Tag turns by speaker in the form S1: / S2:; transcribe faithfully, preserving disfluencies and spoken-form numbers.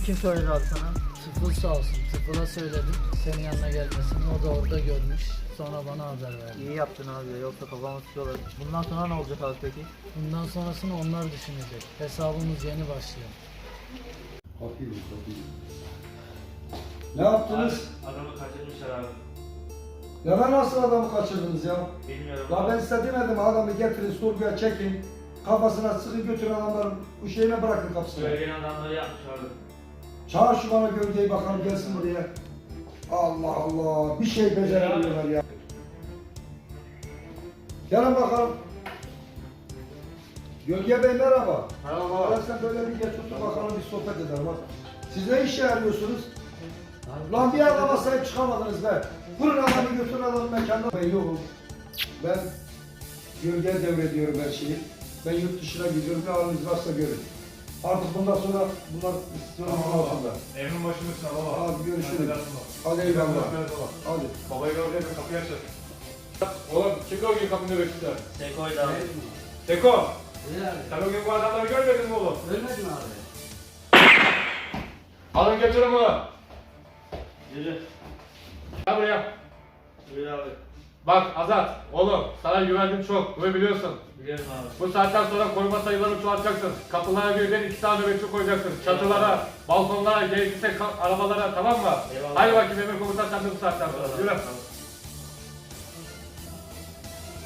S1: kim söyledi abi sana? Tıfıl sağ olsun. Tıfıl'a söyledim senin yanına gelmesini. O da orada görmüş. Sonra bana haber verdi.
S2: İyi yaptın abi, yoksa kafamı tutuyorlar. Bundan sonra ne olacak abi peki?
S1: Bundan sonrasını onlar düşünecek. Hesabımız yeni başlıyor.
S3: Bakayım, bakayım. Ne yaptınız?
S4: Adamı kaçırmışlar abi.
S3: Ya ben nasıl adamı kaçırdınız ya?
S4: Bilmiyorum.
S3: La ben size demedim adamı getirin sorguya çekin. Kafasına sıkı götürün adamların bu şeyine bırakın kapısına.
S4: Söyleyen adamları yapmış abi.
S3: Çağır şu bana gölgeyi bakalım gelsin buraya. Allah Allah bir şey beceremiyorlar ya. Gelin bakalım. Gölge Bey merhaba.
S4: Merhaba.
S3: Ben sen böyle bir geç otur bakalım bir sohbet edelim bak. Siz ne işe yarıyorsunuz? Lan bir adama sahip çıkamadınız be. Vurun adamı götürün adamı mekanına. Ben yokum. Ben gölge devrediyorum her şeyi. Ben yurt dışına gidiyorum. Ne haliniz varsa görün. Artık bundan sonra bunlar sorumluluğun altında.
S5: Evin başındasın baba.
S3: Hadi görüşürüz.
S5: Hadi
S3: Hadi eyvallah.
S5: baba.
S3: Hadi.
S5: Babayı gördüğünde kapıyı açar. Oğlum kim o gün kapında bekliyor?
S4: Seko'ydu abi.
S5: Seko!
S1: Öyle abi.
S5: Sen o gün bu adamları görmedin mi oğlum?
S1: Ölmedin abi.
S5: Alın götürün bunu.
S4: Yürü.
S5: Gel buraya.
S4: Yürü abi.
S5: Bak Azat, oğlum sana güvendim çok, bunu biliyorsun.
S4: Biliyorum abi.
S5: Bu saatten sonra koruma sayılarını çoğaltacaksın. Kapılara birden iki tane nöbetçi koyacaksın. Çatılara, balkonlara, gerekirse ka- arabalara, tamam mı?
S4: Eyvallah.
S5: Hadi bakayım Emir Komutan sen de bu saatten sonra. Yürü.
S4: Tamam.